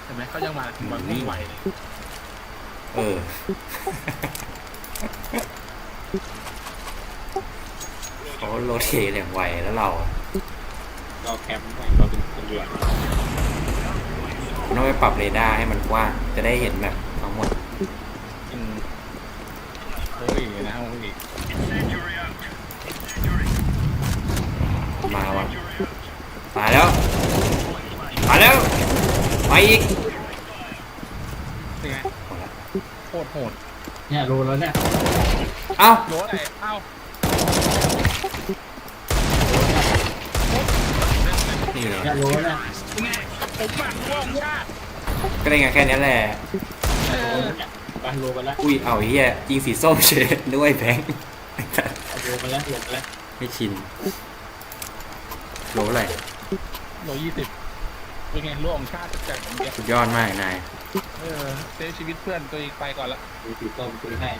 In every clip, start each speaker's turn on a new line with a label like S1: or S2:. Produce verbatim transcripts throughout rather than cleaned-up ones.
S1: ห็นไหมเขายังมาแบบวิ่งไหวเลย
S2: เออเขาโรเทตอย่างไวแล้วเรา
S3: เราแคมป์ไว้เราเป็นคนเรือ
S2: ต้องไปปรับเรดาร์ให้มันกว้างจะได้เห็นแบบทั้งหมด
S1: โอ้ยนะโอ้ย
S2: มาว่ะมาแล้วมาแล้วไปอีก
S1: เป็นไงโคตรโหด
S3: เนี่ยโลแล้วเนี่ย
S2: เอ้า
S1: โลอะไรเอ้า
S2: นี่เลย
S3: เนี่ยโลเนี่ย
S1: ไงผมหมักว่องชาติ
S2: ก็ได้ไงแค่นี้แหละ
S3: ไปโลไปแล้ว
S2: อุ้ยเอาเฮียยิงสีส้มเฉยด้วยแบงค์
S3: โลไปแล้วโลไปแล้ว
S2: ไม่ชินโลอะไร
S1: โลยี่สิบเป็นไงโลของชาติจัดอย่างเงี้ย
S2: สุดยอดมากนาย
S1: เออเซฟชีวิตเพื่อนตัวเองไปก่อนละ
S3: ดูสีส้มคุยให้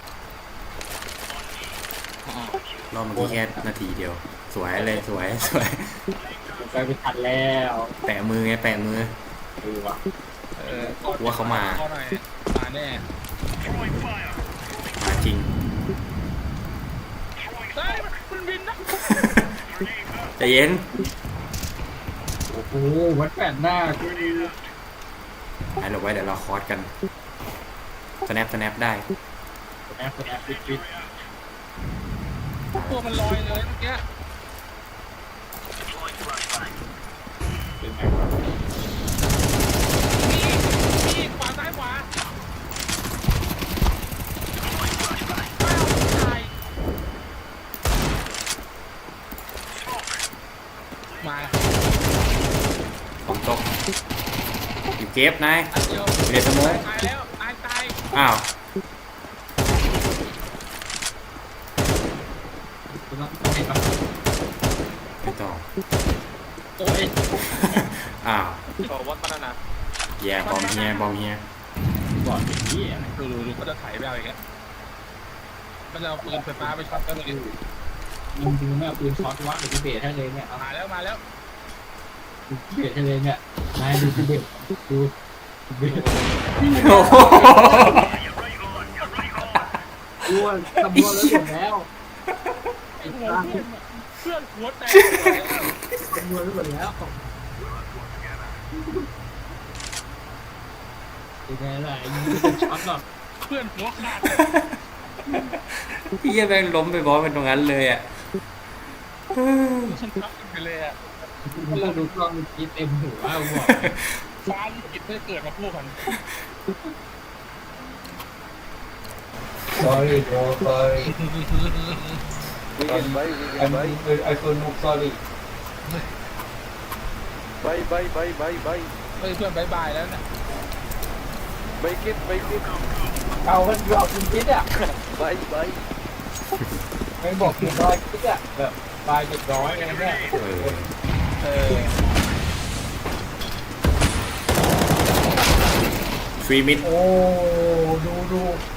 S2: รอบเมื่อกี้แค่นาทีเดียวสวยเลยสวยสวย
S3: ไปไปทันแล้ว
S2: แปะมือไงแปะมือ
S3: ดูว่ะ
S1: เออ
S2: ว่าเขามา
S1: มาแน่
S2: มาจริง
S1: ได้มันบินนะ
S2: ใจเย็น
S3: โอ้โหวัดแปดหน้าคือ
S2: ให้หลบไว้เดี๋ยวเราคอร์สกันสแนปสแนปได้
S3: แอปแอปฟิตฟิต
S1: ตัวมันลอยเลยเมื่อกี้มีมีขวาซ้ายขวามา
S2: ผมตกอยู่เก็บนายอยู่ในสมอง
S1: ตายแล้วตายตาย
S2: อ้าวไม่ต้อง
S1: โอ้ย
S2: อ้าว
S1: ต่อวัดพัฒนา
S2: แย่บอมเฮียบอมเฮีย
S3: บอดเป็นที่อะไร
S1: ดูดูดูก็จะถ่ายไปเอาอย่างเงี้ยมันจะเอาปืนไฟฟ้าไปช็อตกันเลย
S3: ยิงจริงไม่เอาปืนช็อตวัดหรือเบสให้เลยเนี่ย
S1: มาแล้วมาแล้ว
S3: เบสให้เลยเนี่ยนายดูเบสดูเบส
S2: โอ้โห
S3: อ้วนตะบัวแล้วหมดแล้วไอ้ตา
S1: เพื่อนหัวแตก
S3: ตะบัวแล้วหมดแล้วเป็นไงล่ะยิงเป็นช็อตหรอ
S1: เพื่อนหัวขาด
S2: พี่แบงล้มไปบอสเป็นตรงนั้นเลยอ่ะ
S1: ฉันทับไปเลยอ่ะ
S3: เราดูกล้องมันคิดเต็มหัวเอาบอก
S1: ฟ้าลิขิตไม่เกิดมาพูดกัน
S3: sorry bro sorry
S4: Weekend bye weekend bye
S3: I feel no sorry
S4: bye bye bye bye bye
S1: เฮ้ยเพื่อนบายบายแล้วนะ
S4: bye kid bye kid
S3: เอากันยอกจริงๆอ่ะ
S4: bye bye
S3: ไม่บอกกี่ร้อยคิดอ่ะแบบบายเจ็ดร้อยอะไรเนี่ย
S1: เออ
S2: ฟรีมิด
S3: โอ้ดูดู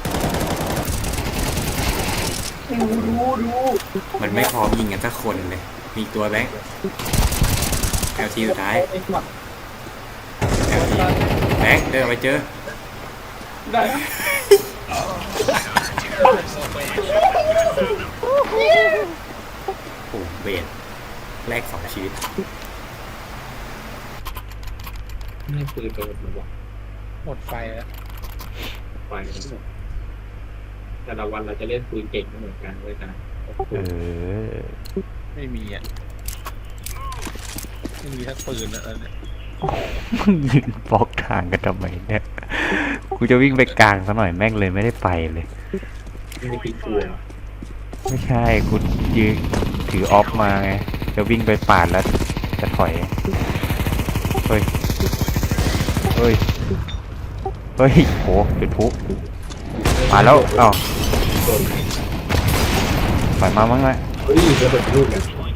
S3: ดูดูดู
S2: มันไม่พร้อมยิงกันสักคนเลยมีตัวแบงค์แอลทีสุดท้ายแอลทีแบงค์เดินไปเจอ
S3: ได้
S2: โอ้เบสแลกสองชีวิต
S3: นี่ปืนโดนหรือเปล่า
S1: หมดไฟแล้ว
S3: ไฟแต่ละวันเราจะเล่นปืนเก่งไม่เหมือนกันเว้ยนะ
S2: เออ
S1: ไม่มีอ่ะไม่มีทั้งปืนแล้วเนี่ย
S2: มึงยืนบล็อกทางกันทำไมเนี่ยกูจะวิ่งไปกลางซะหน่อยแม่งเลยไม่ได้ไปเลย
S3: ไม่ได้ปีกลัว
S2: ไม่ใช่กูยืนถือออฟมาไงจะวิ่งไปปาดแล้วจะถอยเฮ้ยเฮ้ยเฮ้ยโหจุดพลุมาแล้วอ้าวปล่อยมามั้งไหม
S3: เฮ้ยจะเป็นรูป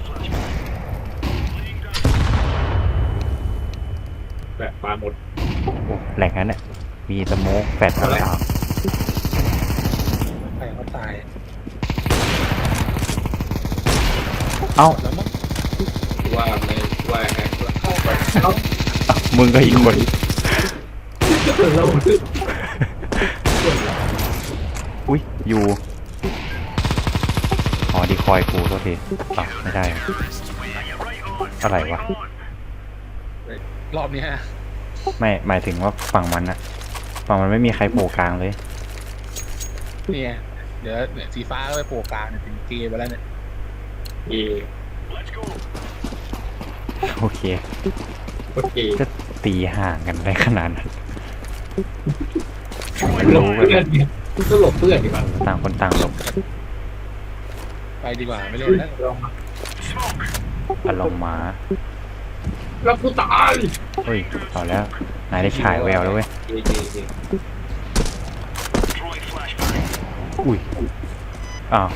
S3: แบบปลาหมด
S2: โอ้แหล่งนั้นเนี่ยมีสโมกแฟดอะไรอ่ะ
S1: ใครเขาตาย
S2: เอ้า
S3: ว่าไม่ว่าไง
S1: เข้าไป
S2: มึงก็อีกคน
S3: เรา
S2: อุ้ยอยู่อ๋อดีคอยกูโทษทีอ่ะไม่ได้อะไรวะ
S1: รอบเนี้ย
S2: ไม่หมายถึงว่าฝั่งมันอะฝั่งมันไม่มีใครโผล่กลางเลย
S1: เนี่ยเดี๋ยวเนี่ยสีฟ้าก็ไปโผล่กลางเนี่ยถึงเกมไปแล้วเนี่ย
S3: เอ
S2: โอเค
S3: โอเค
S2: จะตีห่างกันได้ขนาดนั้น
S3: หลบ
S2: รู้กัน
S3: เพื่อนเนี่ยก็หลบเพื่อนดีกว่า
S2: ต่างคนต่างหลบ
S1: ไปดีกว่าไม่เล่นแล้ว
S3: ลองมา
S2: อารมณ์มา
S3: แล้วกูตาย
S2: เฮ้ยเอาแล้วนายได้ฉายแววแล้วเว้ย
S3: เอเอเอ
S2: อุ้ยอ้าว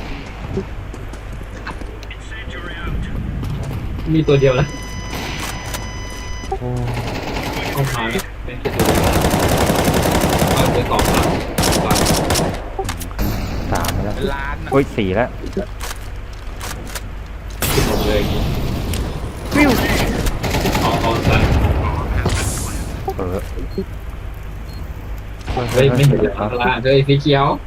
S3: มีตัวเดียวแล้ว
S2: โอ้
S3: เอามาแล้วเป็นแค่ตัวเดียวเอาไปต่อมาก่อน
S2: สามแล้ว
S1: เป็นล้านอะ
S2: โอ้ยสี่แล้ว
S3: ขึ้นหมดเลยวิวเอาเอาซะ
S2: เออ
S3: เฮ้ยไม่เห็นเลยอัลลาเลยสีเขียว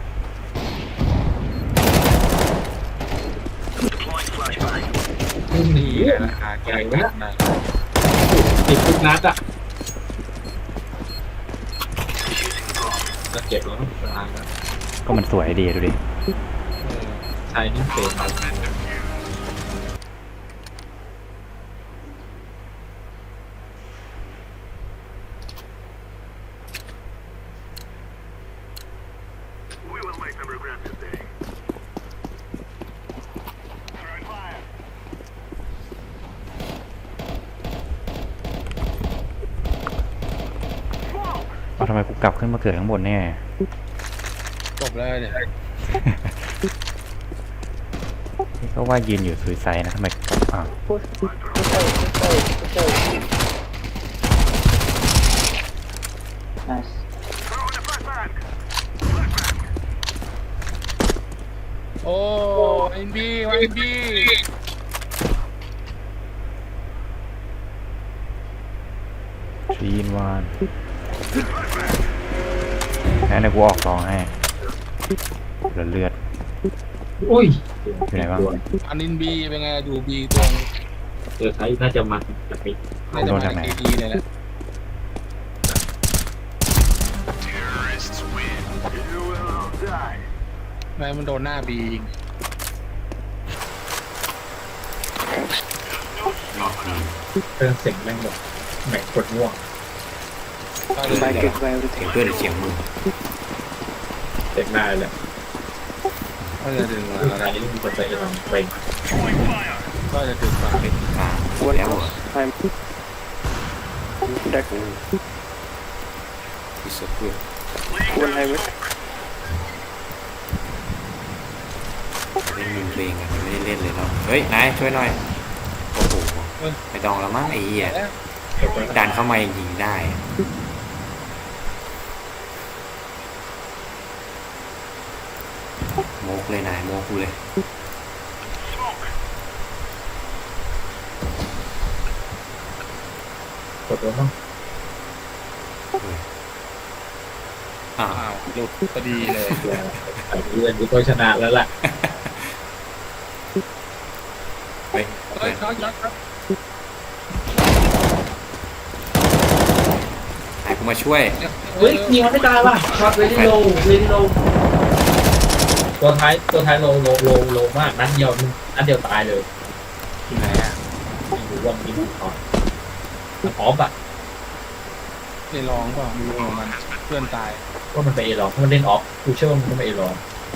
S3: หนี
S1: นี่ไงราคาแกงกันนะ
S3: ติดทุกนัดอ่ะจะเก็บแล้วล้างแล้ว
S2: ก็มันสวยดีดูดิ
S3: ใช่นี่เป็นเอา
S2: เอาทำไมกูกลับขึ้นมาเกิดข้างบนเนี่ย
S1: จบแล้วเนี่ย
S2: นี่ก็ว่ายืนอยู่สุยไซนะทำไมอ้าว
S5: Nice.
S1: โอ้เอ็นบีเอ็นบี
S2: ชีนวานงั้นเดี๋ยวกูออกซองให้เหลือเลือด
S3: อุ้ย
S2: อยู่ไหนบ้าง
S1: อันนินบีเป็นไงดูบีตรง
S3: เออไทยน่าจะมันแบบนี้
S1: น่าจะมาจากเอดีเลยแหละไม่มันโดนหน้าบียิง
S3: เครื่องเสียงแม่งแบบแม่งกดง่วง
S1: ก็เลย
S5: By
S1: เ
S5: kick by everything.
S3: เพื่อนเสียงมึงเสียงได้เลย
S1: ก็จะดึงมา
S3: อะไร
S1: อะไร
S3: นี่มันกดไปลองไป
S1: ก็จะดึงมาเป็น
S5: One close. I'm dead. One highway.
S6: เล่นมึงเพลงอะมันไม่ได้เล่นเลยเนาะเฮ้ย นายช่วยหน่อย โอ้โหไม่ต้องแล้วมั้งไอ้เหี้ยดันเข้ามายิงได้อะโมกเลยนายโมกกูเลย
S3: กดตัวต้อง
S6: อ้าว
S1: อ้าวหลุดพอดีเลย
S3: ไอ้เพื่อนกูก็ชนะแล้วล่ะ
S6: เฮ้ย
S1: เฮ้ยเขายัดครับ
S6: นายกูมาช่วย
S3: เฮ้ยยิงมันไม่ตายว่ะช็อตเวลี่โลเวลี่โลตัวท้ายตัวท้ายโลโลโลโลมากนัดเดียวนัดเดียวตายเลย
S1: ที่ไหนอ่ะ
S3: ไม่รู้ว่ามันยิงถูกคอมันออฟอ่ะ
S1: ไปลองเปล่าไม่รู้ของมันเพื่อนตาย
S3: ว่ามันไปเอลองมันเล่นออฟกูเชื่อว่ามันต้องไปเอลอง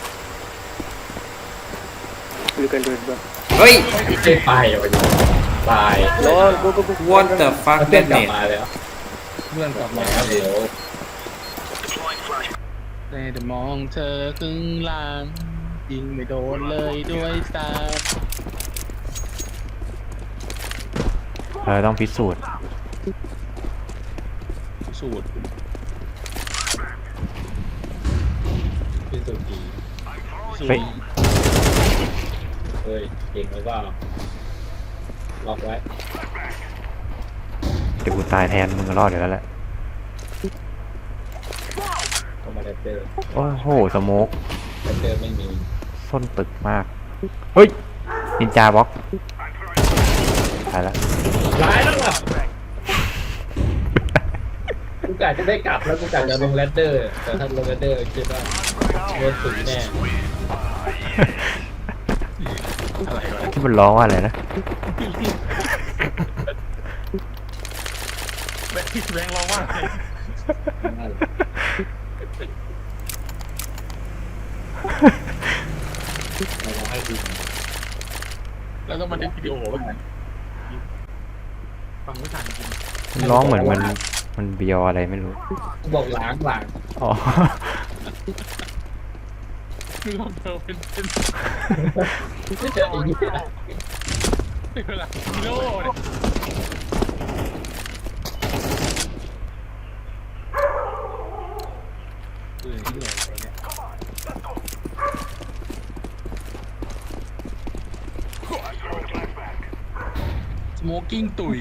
S5: You can do it, bro.
S6: เฮ้ย
S3: ไม่ไปอ่ะวะตาย
S5: Lord, go, go, go.
S6: what the fuck
S3: เพื่อน
S6: เล่น
S3: กลับ
S6: เน็ต
S3: มาแล้ว
S1: เพื่อนกลับมา
S3: แล้วเดี๋ยว
S1: แต่เดี๋ยวมองเธอครึ่งหลังยิงไม่โดนเลยด้วยตา
S2: เออต้องพิสูจน์
S1: สูตร
S3: พี่สุกี
S1: สูต
S2: เฮ้ย
S1: ร
S3: เฮ้ยเก่งไหมว่าล็อกไว้
S2: เดี๋ยวกูตายแทนมึงก็รอดอยู่แล้วแหละ
S3: แรดเดอร์
S2: โอ้โหสโมก
S3: แรดเดอร์ไม่มี
S2: ส้นตึกมาก เฮ้ยนินจาบล็อกตายแล้ว
S3: ร้ายแล้วอ่ะกูกะจะได้กลับแล้วกูกะจะลงแรดเดอร์แต่ถ้าลงแรดเดอร์คิดว่าโดนตุ๋ยแน่
S1: อะไรวะ
S2: ที่มันร้องว่าอะไรนะ
S1: แบงค์แบงค์ร้องว่าไงแล้วต้องมาเล่นวิดีโอบ้างไหมฟังไม่ทันจริง
S2: มันร้องเหมือนมันมันเบียวอะไรไม่รู้
S3: กูบอกล้างล้าง
S2: อ๋อ
S1: คือลองเธอเป็นเป็น
S3: ไม่เจอไอ้ยี่
S1: เป็นเวลากิโลเนี่ยเออที่ไหนเนี่ย สโมกิ้งตุ๋ย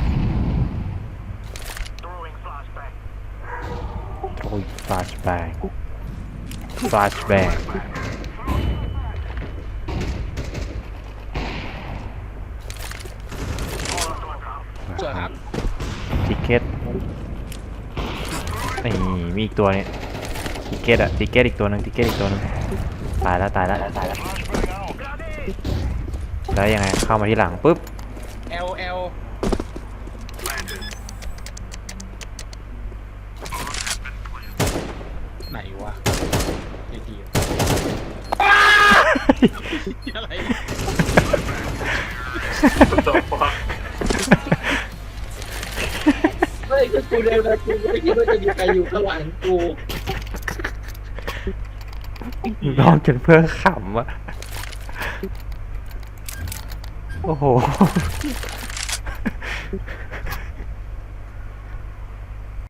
S2: โอ้ยฟลาชแบงฟลาชแบง
S1: เจอครับ
S2: ทิเก็ตนี่มีอีกตัวนี้ทิเก็ตอะทิเก็ตอีกตัวหนึ่งทิเก็ตอีกตัวหนึ่งตายแล้วตายแล้วตายแล้วแล้วยังไงเข้ามาที่หลังปุ๊บ
S1: เอลเอลไหนวะไอ้ทีอะไร
S3: ไม่คือกูเร็วนะกูไม่คิดว่าจะมีใครอยู่ข้างหลังกู
S2: ร้องจนเพื่อนขำอะโอ้โห